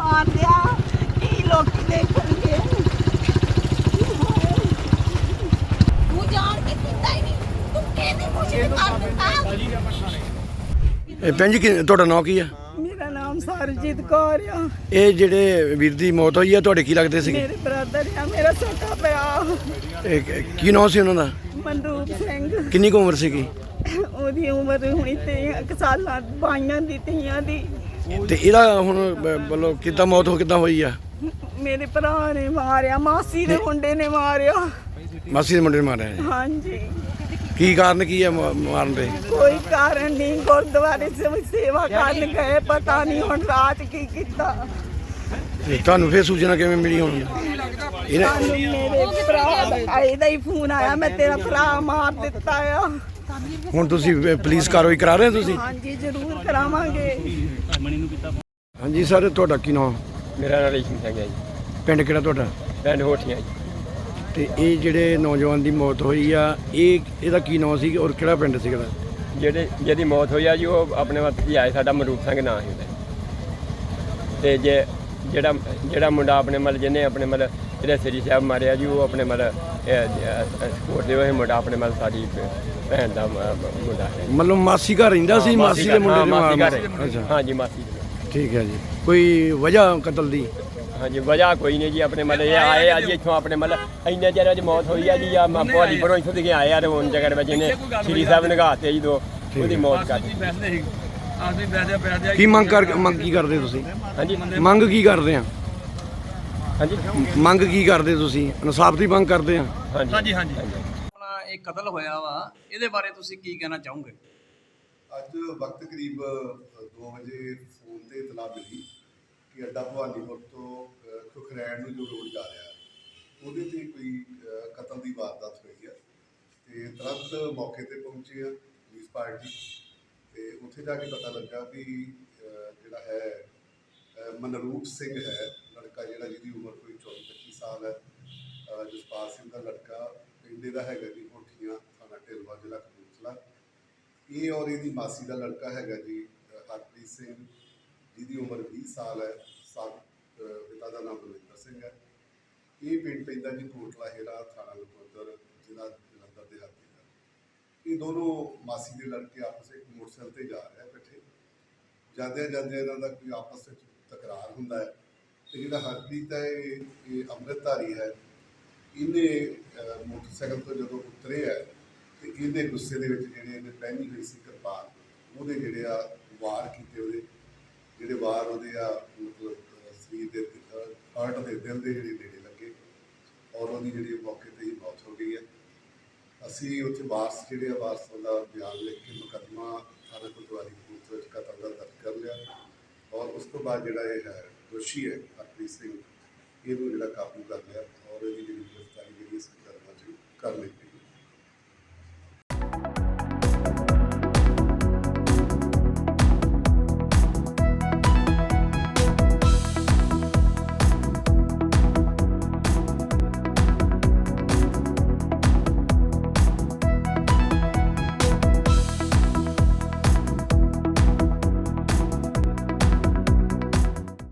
ਮਾਰ ਦਿਆ ਕੀ ਲੋਕੀ ਦੇਖਣਗੇ। ਤੂੰ ਜਾਣ ਕੇ ਕੀਤਾ ਹੀ ਨਹੀਂ, ਤੂੰ ਕਿਹਨੇ ਕੁਛ ਨਹੀਂ ਕਰ ਦਿੱਤਾ। ਭੈਣ ਜੀ ਤੁਹਾਡਾ ਨਾਂ ਕੀ ਆ? ਮੇਰਾ ਨਾਮ ਸਰਜੀਤ ਕੌਰ ਆ। ਇਹ ਜਿਹੜੇ ਵੀਰ ਦੀ ਮੌਤ ਹੋਈ ਆ ਤੁਹਾਡੇ ਕੀ ਲੱਗਦੇ ਸੀਗੇ? ਮੇਰੇ ਬ੍ਰਦਰ ਆ, ਮੇਰਾ ਛੋਟਾ ਪਿਆ। ਕੀ ਨਾਂ ਸੀ ਉਹਨਾਂ ਦਾ? ਮਨਰੂਪ ਸਿੰਘ। ਕਿੰਨੀ ਕੁ ਉਮਰ ਸੀਗੀ? ਉਹਦੀ ਉਮਰ ਹੁਣੀ 3 ਸਾਲਾਂ, 22 ਦੀ, 23 ਦੀ। ਤੇ ਇਹਦਾ ਹੁਣ ਮਤਲਬ ਕਿੱਦਾਂ ਮੌਤ ਕਿੱਦਾਂ ਹੋਈ ਆ? ਮੇਰੇ ਭਰਾ ਨੇ ਮਾਰਿਆ, ਮਾਸੀ ਦੇ ਮੁੰਡੇ ਨੇ ਮਾਰਿਆ। ਮਾਸੀ ਦੇ ਮੁੰਡੇ ਨੇ ਮਾਰਿਆ ਜੀ? ਹਾਂਜੀ। ਕੀ ਕਾਰਨ ਕੀ ਹੈ ਮਾਰਨ ਦੇ? ਕੋਈ ਕਾਰਨ ਨਹੀਂ, ਗੁਰਦੁਆਰੇ ਸੇਵਾ ਕਰਨ ਗਏ, ਪਤਾ ਨਹੀਂ ਹੁਣ ਰਾਤ ਕੀ ਕੀਤਾ। ਤੇ ਤੁਹਾਨੂੰ ਫੇਰ ਸੂਚਨਾ ਕਿਵੇਂ ਮਿਲੀ ਹੁਣ? ਸਾਨੂੰ ਮੇਰੇ ਭਰਾ ਦਾ ਇਹਦਾ ਹੀ ਫੋਨ ਆਇਆ, ਮੈਂ ਤੇਰਾ ਭਰਾ ਮਾਰ ਦਿੱਤਾ ਆ। ਹੁਣ ਤੁਸੀਂ ਪੁਲਿਸ ਕਾਰਵਾਈ ਕਰਾ ਰਹੇ ਹੋ ਤੁਸੀਂ? ਹਾਂਜੀ ਜ਼ਰੂਰ ਕਰਾਵਾਂਗੇ। ਹਾਂਜੀ ਸਰ, ਤੁਹਾਡਾ ਕੀ ਨਾਮ? ਮੇਰਾ ਨਾਮ ਰੇਸ਼ਮ ਸਿੰਘ ਹੈ ਜੀ। ਪਿੰਡ ਕਿਹੜਾ ਤੁਹਾਡਾ? ਪਿੰਡ ਹੋਠੀਆਂ ਜੀ। ਤੇ ਇਹ ਜਿਹੜੇ ਨੌਜਵਾਨ ਦੀ ਮੌਤ ਹੋਈ ਆ, ਇਹਦਾ ਕੀ ਨਾਮ ਸੀ ਔਰ ਕਿਹੜਾ ਪਿੰਡ ਸੀ ਇਹਦਾ? ਜਿਹਦੀ ਮੌਤ ਹੋਈ ਆ ਜੀ, ਉਹ ਆਪਣੇ ਵੱਤ ਜੀ ਆਏ, ਸਾਡਾ ਮਨਰੂਪ ਸਿੰਘ ਨਾਂ ਸੀ ਉਹਦਾ। ਤੇ ਜਿਹੜਾ ਮੁੰਡਾ ਆਪਣੇ ਮਤਲਬ ਜਿਹਨੇ ਆਪਣੇ ਮਤਲਬ ਇਹਦੇ ਸ੍ਰੀ ਸਾਹਿਬ ਮਾਰਿਆ ਜੀ, ਉਹ ਆਪਣੇ ਮਤਲਬ ਸਪੋਰਟ ਦੇ ਹੋਏ ਮੁੰਡਾ ਆਪਣੇ ਮਤਲਬ ਸਾਡੀ ਭੈਣ ਦਾ ਮੁੰਡਾ ਹੈ। ਮਤਲਬ ਮਾਸੀ ਘਰ ਰਹਿੰਦਾ ਸੀ? ਮਾਸੀ ਦੇ ਮੁੰਡੇ ਦੇ ਅੱਛਾ, ਹਾਂਜੀ ਮਾਸੀ। ਠੀਕ ਹੈ ਜੀ। ਕੋਈ ਵਜ੍ਹਾ ਕਤਲ ਦੀ? ਹਾਂਜੀ ਵਜ੍ਹਾ ਕੋਈ ਨਹੀਂ ਜੀ, ਆਪਣੇ ਮਤਲਬ ਇਹ ਆਏ ਆ ਜੀ ਇੱਥੋਂ, ਆਪਣੇ ਮਤਲਬ ਇੰਨੇ ਚਿਰ 'ਚ ਮੌਤ ਹੋਈ ਆ ਜੀ। ਆ ਭਵਾਲੀ ਪਰੋਂ ਇੱਥੋਂ ਦੇ ਆਏ ਆ ਤੇ ਹੁਣ ਜਗ੍ਹਾ ਵਿੱਚ ਇਹਨੇ ਸ੍ਰੀ ਸਾਹਿਬ ਨਗਾਤੇ ਜੀ ਦੋ, ਉਹਦੀ ਮੌਤ ਕਰ ਦਿੱਤੀ। ਕੀ ਮੰਗ ਕੀ ਕਰਦੇ ਤੁਸੀਂ? ਹਾਂਜੀ ਮੰਗ ਕੀ ਕਰਦੇ ਆ? ਹਾਂਜੀ ਮੰਗ ਕੀ ਕਰਦੇ ਤੁਸੀਂ? ਇਨਸਾਫ ਦੀ ਮੰਗ ਕਰਦੇ ਆ? ਹਾਂਜੀ ਹਾਂਜੀ। ਆਪਣਾ ਇਹ ਕਤਲ ਹੋਇਆ ਵਾ, ਇਹਦੇ ਬਾਰੇ ਤੁਸੀਂ ਕੀ ਕਹਿਣਾ ਚਾਹੋਗੇ? ਅੱਜ ਵਕਤ ਕਰੀਬ 2 ਵਜੇ ਫੋਨ ਤੇ ਇਤਲਾਹ ਮਿਲੀ ਕਿ ਅੱਡਾ ਭਵਾਨੀਪੁਰ ਤੋਂ ਖੁਖਰੈਣ ਨੂੰ ਜੋ ਰੋਡ ਜਾ ਰਿਹਾ ਉਹਦੇ ਤੇ ਕੋਈ ਕਤਲ ਦੀ ਵਾਰਦਾਤ ਹੋਈ ਹੈ। ਤੇ ਤੁਰੰਤ ਮੌਕੇ ਤੇ ਪਹੁੰਚੀ ਆ ਪੁਲਿਸ ਪਾਰਟੀ ਤੇ ਉੱਥੇ ਜਾ ਕੇ ਪਤਾ ਲੱਗਾ ਵੀ ਜਿਹੜਾ ਹੈ ਮਨਰੂਪ ਸਿੰਘ ਹੈ ਲੜਕਾ, ਜਿਹੜਾ ਜਿਹਦੀ ਉਮਰ ਕੋਈ 24-25 ਸਾਲ ਹੈ। ਜਸਪਾਲ ਸਿੰਘ ਦਾ ਲੜਕਾ, ਪਿੰਡ ਦਾ ਹੈਗਾ ਜੀ ਹੋਠੀਆਂ, ਥਾਣਾ ਢਿਲਵਾਂ, ਜ਼ਿਲ੍ਹਾ ਕਪੂਰਥਲਾ। ਇਹ ਔਰ ਇਹਦੀ ਮਾਸੀ ਦਾ ਲੜਕਾ ਹੈਗਾ ਜੀ ਹਰਪ੍ਰੀਤ ਸਿੰਘ, ਜਿਹਦੀ ਉਮਰ 20 ਸਾਲ ਹੈ। ਪਿਤਾ ਦਾ ਨਾਮ ਬਲਵਿੰਦਰ ਸਿੰਘ ਹੈ। ਇਹ ਪਿੰਡ ਪੈਂਦਾ ਜੀ ਕੋਟਲਾ ਹੇਰਾ, ਥਾਣਾ ਨਕੋਦਰ, ਜ਼ਿਲ੍ਹਾ ਜਲੰਧਰ ਦੇ ਹੱਥ ਦਾ। ਇਹ ਦੋਨੋਂ ਮਾਸੀ ਦੇ ਲੜਕੇ ਆਪਸ ਵਿੱਚ ਮੋਟਰਸਾਈਕਲ ਤੇ ਜਾ ਰਹੇ ਇਕੱਠੇ। ਜਾਂਦਿਆਂ ਇਹਨਾਂ ਦਾ ਕੋਈ ਆਪਸ ਵਿੱਚ ਤਕਰਾਰ ਹੁੰਦਾ ਹੈ। ਤੇ ਜਿਹੜਾ ਹਰਪ੍ਰੀਤ ਹੈ ਇਹ ਅੰਮ੍ਰਿਤਧਾਰੀ ਹੈ। ਇਹਨੇ ਮੋਟਰਸਾਈਕਲ ਤੋਂ ਜਦੋਂ ਉਤਰੇ ਹੈ ਤੇ ਇਹਦੇ ਗੁੱਸੇ ਦੇ ਵਿੱਚ ਜਿਹੜੇ ਇਹਨੇ ਪਹਿਨੀ ਹੋਈ ਸੀ ਕਿਰਪਾਨ, ਉਹਦੇ ਜਿਹੜੇ ਆ ਵਾਰ ਕੀਤੇ। ਉਹਦੇ ਜਿਹੜੇ ਵਾਰ ਉਹਦੇ ਆ ਮਤਲਬ ਸਰੀਰ ਦੇ ਹਾਰਟ ਦੇ ਦਿਲ ਦੇ ਜਿਹੜੇ ਨੇੜੇ ਲੱਗੇ ਔਰ ਉਹਦੀ ਜਿਹੜੀ ਮੌਕੇ ਤੇ ਹੀ ਮੌਤ ਹੋ ਗਈ ਹੈ। ਅਸੀਂ ਉੱਥੇ ਵਾਰਸ ਜਿਹੜੇ ਆ, ਵਾਰਸਾਂ ਦਾ ਬਿਆਨ ਲਿਖ ਕੇ ਮੁਕੱਦਮਾ ਥਾਣਾ ਕੋਤਵਾਲੀ ਕਪੂਰਥਲਾ ਵਿੱਚ ਕਤਲ ਦਾ ਦਰਜ ਕਰ ਲਿਆ ਔਰ ਉਸ ਤੋਂ ਬਾਅਦ ਜਿਹੜਾ ਇਹ ਹੈ ਦੋਸ਼ੀ ਹੈ ਹਰਪ੍ਰੀਤ ਸਿੰਘ, ਇਹਨੂੰ ਜਿਹੜਾ ਕਾਬੂ ਕਰ ਲਿਆ ਔਰ ਇਹਦੀ ਜਿਹੜੀ ਗ੍ਰਿਫਤਾਰੀ ਜਿਹੜੀ ਇਸ ਮੁਕੱਦਮਾ 'ਚ ਕਰ ਲਈ।